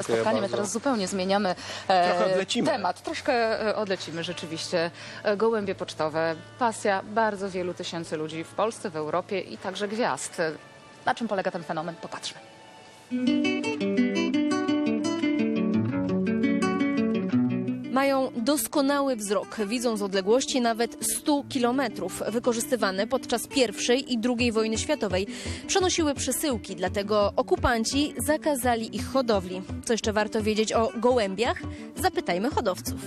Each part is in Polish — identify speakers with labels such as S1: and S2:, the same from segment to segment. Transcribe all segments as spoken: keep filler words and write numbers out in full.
S1: spotkanie. My teraz zupełnie zmieniamy e,
S2: Trochę odlecimy.
S1: temat. Troszkę e, odlecimy rzeczywiście. E, Gołębie pocztowe. Pasja bardzo wielu tysięcy ludzi w Polsce, w Europie i także gwiazd. E, Na czym polega ten fenomen? Popatrzmy.
S3: Mają doskonały wzrok, widzą z odległości nawet stu kilometrów. Wykorzystywane podczas pierwszej i drugiej wojny światowej. Przenosiły przesyłki, dlatego okupanci zakazali ich hodowli. Co jeszcze warto wiedzieć o gołębiach? Zapytajmy hodowców.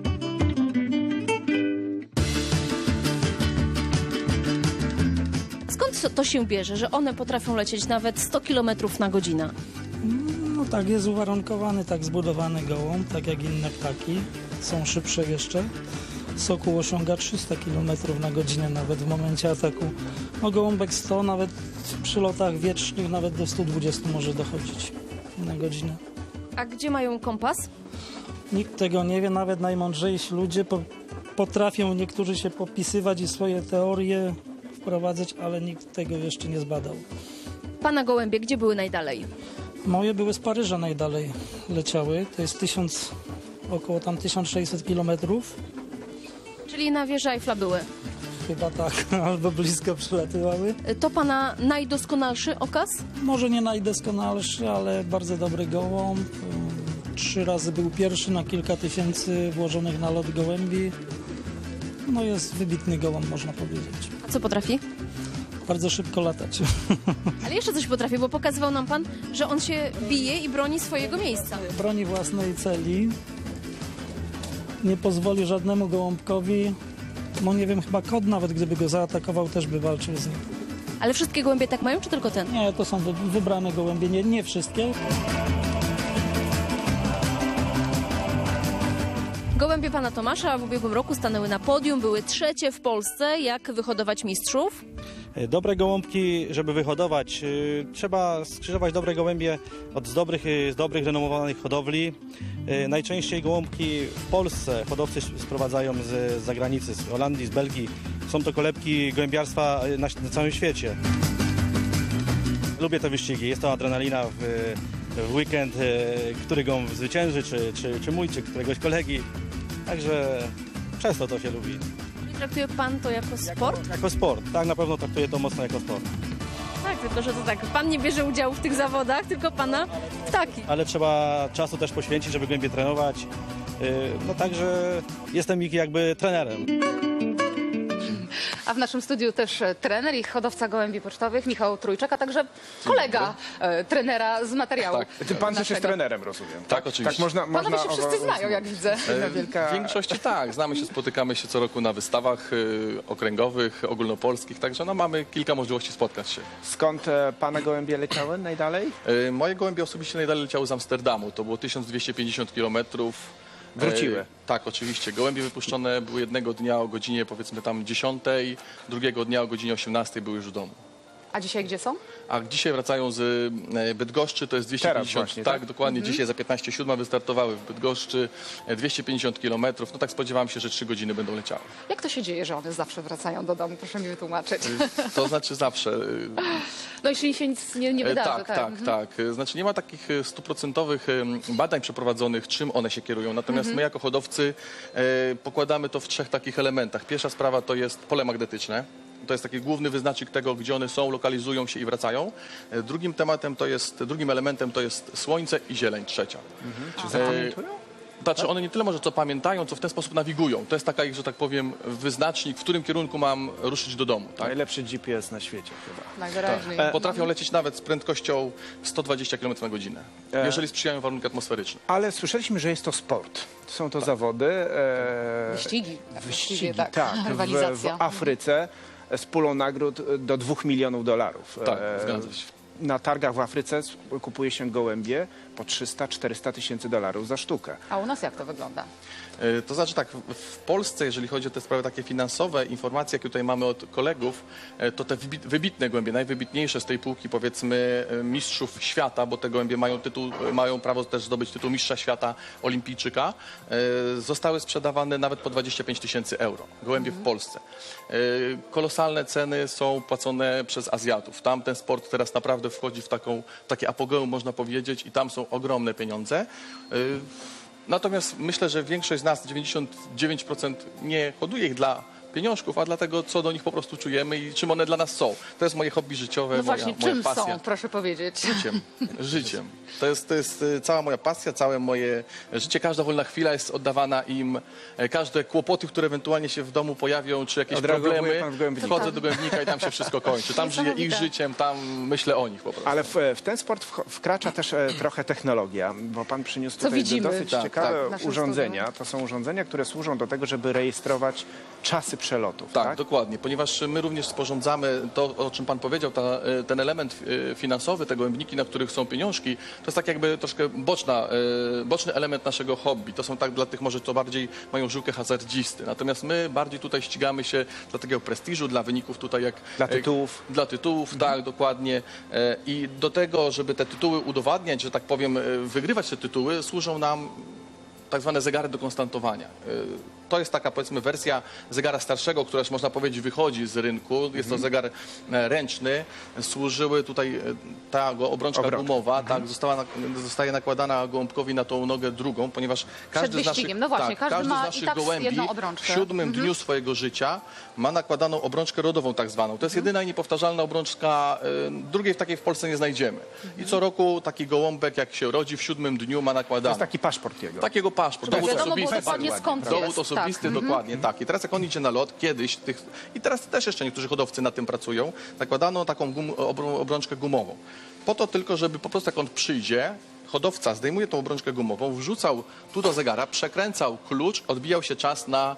S3: Skąd to się bierze, że one potrafią lecieć nawet sto kilometrów na godzinę?
S4: No tak, jest uwarunkowany, tak zbudowany gołąb, tak jak inne ptaki. Są szybsze jeszcze. Sokół osiąga trzysta kilometrów na godzinę nawet w momencie ataku. No gołąbek sto, nawet przy lotach wietrznych nawet do stu dwudziestu może dochodzić na godzinę.
S3: A gdzie mają kompas?
S4: Nikt tego nie wie, nawet najmądrzejsi ludzie po, potrafią niektórzy się popisywać i swoje teorie wprowadzać, ale nikt tego jeszcze nie zbadał.
S3: Pana gołębie, gdzie były najdalej?
S4: Moje były z Paryża najdalej leciały, to jest tysiąc, około tam tysiąc sześćset kilometrów.
S3: Czyli na wieży Eiffla były.
S4: Chyba tak, albo blisko przylatywały.
S3: To pana najdoskonalszy okaz?
S4: Może nie najdoskonalszy, ale bardzo dobry gołąb. Trzy razy był pierwszy na kilka tysięcy włożonych na lot gołębi. No jest wybitny gołąb, można powiedzieć.
S3: A co potrafi?
S4: Bardzo szybko latać.
S3: Ale jeszcze coś potrafi, bo pokazywał nam pan, że on się bije i broni swojego miejsca.
S4: Broni własnej celi. Nie pozwoli żadnemu gołąbkowi. No nie wiem, chyba kot nawet, gdyby go zaatakował, też by walczył z nim.
S3: Ale wszystkie gołębie tak mają, czy tylko ten?
S4: Nie, to są wy- wybrane gołębie, nie, nie wszystkie.
S3: Gołębie pana Tomasza w ubiegłym roku stanęły na podium, były trzecie w Polsce. Jak wyhodować mistrzów?
S5: Dobre gołąbki, żeby wyhodować, y, trzeba skrzyżować dobre gołębie od z dobrych, y, z dobrych renomowanych hodowli. Y, Najczęściej gołąbki w Polsce hodowcy sprowadzają z, z zagranicy, z Holandii, z Belgii. Są to kolebki gołębiarstwa na, na całym świecie. Lubię te wyścigi, jest to adrenalina w, w weekend, y, który gołąb zwycięży, czy, czy, czy mój, czy któregoś kolegi. Także często to się lubi.
S3: Traktuje pan to jako sport?
S5: Jako sport, tak, na pewno traktuję to mocno jako sport.
S3: Tak, tylko że to tak, pan nie bierze udziału w tych zawodach, tylko pana ptaki.
S5: Ale trzeba czasu też poświęcić, żeby głębiej trenować. Yy, No także jestem ich jakby trenerem.
S1: A w naszym studiu też e, trener i hodowca gołębi pocztowych, Michał Trójczak, a także kolega e, trenera z materiału.
S2: Ty pan też jest
S1: naszego.
S2: trenerem, rozumiem.
S6: Tak, oczywiście.
S2: Tak można, można
S1: Panowie się wszyscy znają, jak widzę.
S2: Jedna wielka...
S6: W większości tak, znamy się, spotykamy się co roku na wystawach y, okręgowych, ogólnopolskich, także no, mamy kilka możliwości spotkać się.
S2: Skąd e, pana gołębie leciały najdalej?
S6: Y, moje gołębie osobiście najdalej leciały z Amsterdamu, to było tysiąc dwieście pięćdziesiąt kilometrów.
S2: Wróciły.
S6: E, tak, oczywiście. Gołębie wypuszczone były jednego dnia o godzinie powiedzmy tam dziesiątej, drugiego dnia o godzinie osiemnastej były już w domu.
S1: A dzisiaj gdzie są?
S6: A dzisiaj wracają z e, Bydgoszczy, to jest dwieście pięćdziesiąt,
S2: właśnie,
S6: tak,
S2: tak?
S6: dokładnie, dzisiaj za piętnaście siódma wystartowały w Bydgoszczy, e, dwieście pięćdziesiąt kilometrów, no tak spodziewam się, że trzy godziny będą leciały.
S1: Jak to się dzieje, że one zawsze wracają do domu? Proszę mi wytłumaczyć.
S6: To znaczy zawsze. e,
S1: No jeśli się nic nie, nie
S6: e,
S1: wydarzy.
S6: tak, tak, tak. E, Znaczy nie ma takich e, stuprocentowych e, badań przeprowadzonych, czym one się kierują, natomiast my jako hodowcy e, pokładamy to w trzech takich elementach. Pierwsza sprawa to jest pole magnetyczne. To jest taki główny wyznacznik tego, gdzie one są, lokalizują się i wracają. E, Drugim tematem to jest, drugim elementem to jest słońce i zieleń, trzecia.
S2: Czy zapamiętują?
S6: Znaczy one nie tyle może co pamiętają, co w ten sposób nawigują. To jest taka ich, że tak powiem, wyznacznik, w którym kierunku mam ruszyć do domu. Tak?
S2: Najlepszy G P S na świecie chyba.
S1: Najwyraźniej.
S6: Potrafią lecieć nawet z prędkością sto dwadzieścia kilometrów na godzinę,
S2: E.
S6: jeżeli sprzyjają warunki atmosferyczne.
S2: Ale słyszeliśmy, że jest to sport. Są to zawody. E...
S1: Wyścigi.
S2: Wyścigi,
S1: tak.
S2: tak. W, w
S1: Rywalizacja.
S2: Afryce z pulą nagród do dwóch milionów dolarów.
S6: Tak,
S2: E,
S6: zgadza się.
S2: Na targach w Afryce kupuje się gołębie po trzysta czterysta tysięcy dolarów za sztukę.
S1: A u nas jak to wygląda?
S6: E, To znaczy tak, w- w Polsce, jeżeli chodzi o te sprawy takie finansowe, informacje, jakie tutaj mamy od kolegów, e, to te wybi- wybitne gołębie, najwybitniejsze z tej półki, powiedzmy, e, mistrzów świata, bo te gołębie mają tytuł, e, mają prawo też zdobyć tytuł mistrza świata, olimpijczyka, e, zostały sprzedawane nawet po dwadzieścia pięć tysięcy euro. Gołębie w Polsce. E, Kolosalne ceny są płacone przez Azjatów. Tam ten sport teraz naprawdę naprawdę wchodzi w taką, takie apogeum, można powiedzieć, i tam są ogromne pieniądze. Y, Natomiast myślę, że większość z nas, dziewięćdziesiąt dziewięć procent, nie hoduje ich dla pieniążków, a dlatego, co do nich po prostu czujemy i czym one dla nas są. To jest moje hobby życiowe,
S1: No
S6: moja,
S1: właśnie,
S6: moja
S1: czym
S6: pasja.
S1: są, proszę powiedzieć?
S6: Życiem. Życiem. To jest, to jest y, cała moja pasja, całe moje życie. Każda wolna chwila jest oddawana im. E, Każde kłopoty, które ewentualnie się w domu pojawią, czy jakieś
S2: Odreagowuje
S6: problemy,
S2: pan w Gołębniku.
S6: wchodzę do Gołębnika i tam się wszystko kończy. Tam żyję ich
S1: Niesamowite.
S6: życiem, tam myślę o nich po prostu.
S2: Ale w, w ten sport wch- wkracza też e, trochę technologia, bo pan przyniósł
S1: Co
S2: tutaj
S1: widzimy.
S2: dosyć
S6: Tak,
S2: ciekawe
S1: tak. W naszym
S2: urządzenia. To są urządzenia, które służą do tego, żeby rejestrować czasy przelotów.
S6: Tak,
S2: Tak,
S6: dokładnie, ponieważ my również sporządzamy to, o czym pan powiedział, ta, e, ten element e, finansowy, te gołębniki, na których są pieniążki, to jest tak jakby troszkę boczna, e, boczny element naszego hobby. To są tak dla tych może, co bardziej mają żyłkę hazardzisty. Natomiast my bardziej tutaj ścigamy się dla takiego prestiżu, dla wyników tutaj jak...
S2: Dla
S6: e,
S2: tytułów.
S6: Dla tytułów, tak, dokładnie. E, I do tego, żeby te tytuły udowadniać, że tak powiem, e, wygrywać te tytuły, służą nam tak zwane zegary do konstantowania. Y, To jest taka, powiedzmy, wersja zegara starszego, która już można powiedzieć wychodzi z rynku. Jest to zegar e, ręczny. Służyły tutaj e, ta go- obrączka
S2: Obrączka.
S6: gumowa, tak, została, nak- zostaje nakładana gołąbkowi na tą nogę drugą, ponieważ każdy z naszych,
S1: wyścigiem. No właśnie,
S6: tak,
S1: każdy
S6: każdy
S1: ma
S6: z
S1: i
S6: naszych
S1: tak
S6: gołębi
S1: jedną
S6: w
S1: obrączkę.
S6: siódmym dniu swojego życia ma nakładaną obrączkę rodową tak zwaną. To jest jedyna i niepowtarzalna obrączka, e, drugiej w takiej w Polsce nie znajdziemy. I co roku taki gołąbek, jak się rodzi, w siódmym dniu ma
S2: To
S6: nakładany.
S2: jest taki paszport jego.
S6: Takiego paszport.
S1: Żeby
S6: Dowód
S1: wiadomo było
S6: osobisty.
S1: dokładnie
S2: tak,
S1: skąd
S6: Dowód
S1: jest.
S6: osobisty,
S1: Tak.
S6: dokładnie, tak. I teraz jak on idzie na lot, kiedyś, tych, i teraz też jeszcze niektórzy hodowcy nad tym pracują, nakładano taką gum, obrą, obrączkę gumową. Po to tylko, żeby po prostu jak on przyjdzie, hodowca zdejmuje tą obrączkę gumową, wrzucał tu do zegara, przekręcał klucz, odbijał się czas na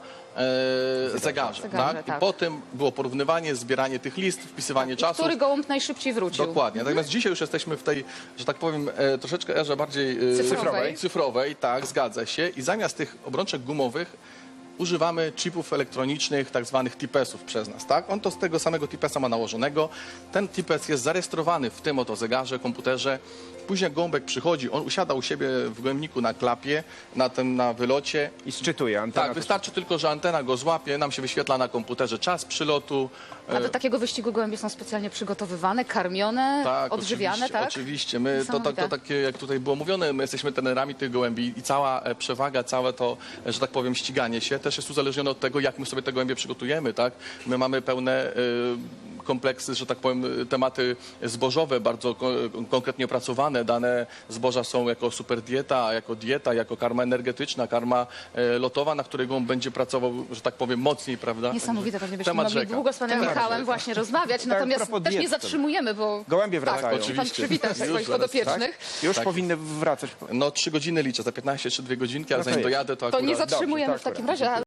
S6: e, zegarze.
S1: Zegarze,
S6: tak?
S1: tak.
S6: I potem było porównywanie, zbieranie tych list, wpisywanie czasów.
S1: Który gołąb najszybciej wrócił?
S6: Dokładnie. Natomiast dzisiaj już jesteśmy w tej, że tak powiem, e, troszeczkę erze bardziej e,
S1: Cyfrowej.
S6: cyfrowej, tak, zgadza się. I zamiast tych obrączek gumowych używamy chipów elektronicznych, tak zwanych T I P esów przez nas, tak? On to z tego samego T I P esa ma nałożonego. Ten T I P es jest zarejestrowany w tym oto zegarze, komputerze. Później jak gołąbek przychodzi, on usiada u siebie w gołębniku na klapie, na tym, na wylocie.
S2: I sczytuje antena.
S6: Tak, wystarczy tylko, że antena go złapie, nam się wyświetla na komputerze czas przylotu.
S1: A do takiego wyścigu gołębie są specjalnie przygotowywane, karmione,
S6: Tak,
S1: odżywiane,
S6: oczywiście,
S1: tak?
S6: Oczywiście. My, to, to,
S1: Niesamowite.
S6: to takie, jak tutaj było mówione, my jesteśmy trenerami tych gołębi i cała e, przewaga, całe to, e, że tak powiem, ściganie się też jest uzależnione od tego, jak my sobie te gołębie przygotujemy, tak? My mamy pełne e, kompleksy, że tak powiem, tematy zbożowe, bardzo ko konkretnie opracowane. Dane zboża są jako super dieta, jako dieta, jako karma energetyczna, karma e, lotowa, na której gołąb będzie pracował, że tak powiem, mocniej, prawda?
S1: Niesamowite, pewnie byśmy
S6: Temat
S1: mogli
S6: rzeka.
S1: długo z panem
S6: Temat
S1: Michałem
S6: rzeka.
S1: właśnie rozmawiać, natomiast
S2: propos
S1: też nie
S2: diet.
S1: zatrzymujemy, bo...
S2: Gołębie
S1: Tak,
S2: wracają.
S1: pan
S6: Oczywiście.
S1: przywitał
S6: Już
S1: swoich
S6: zaraz,
S1: podopiecznych.
S2: Już
S6: Tak.
S2: powinny wracać.
S6: No trzy godziny liczę, za piętnaście czy dwie godzinki, ale
S2: No to
S6: zanim
S2: jest.
S6: dojadę, to
S1: To
S6: akurat...
S1: nie zatrzymujemy
S2: Dobrze,
S1: w
S2: to
S1: takim
S2: akurat.
S1: razie.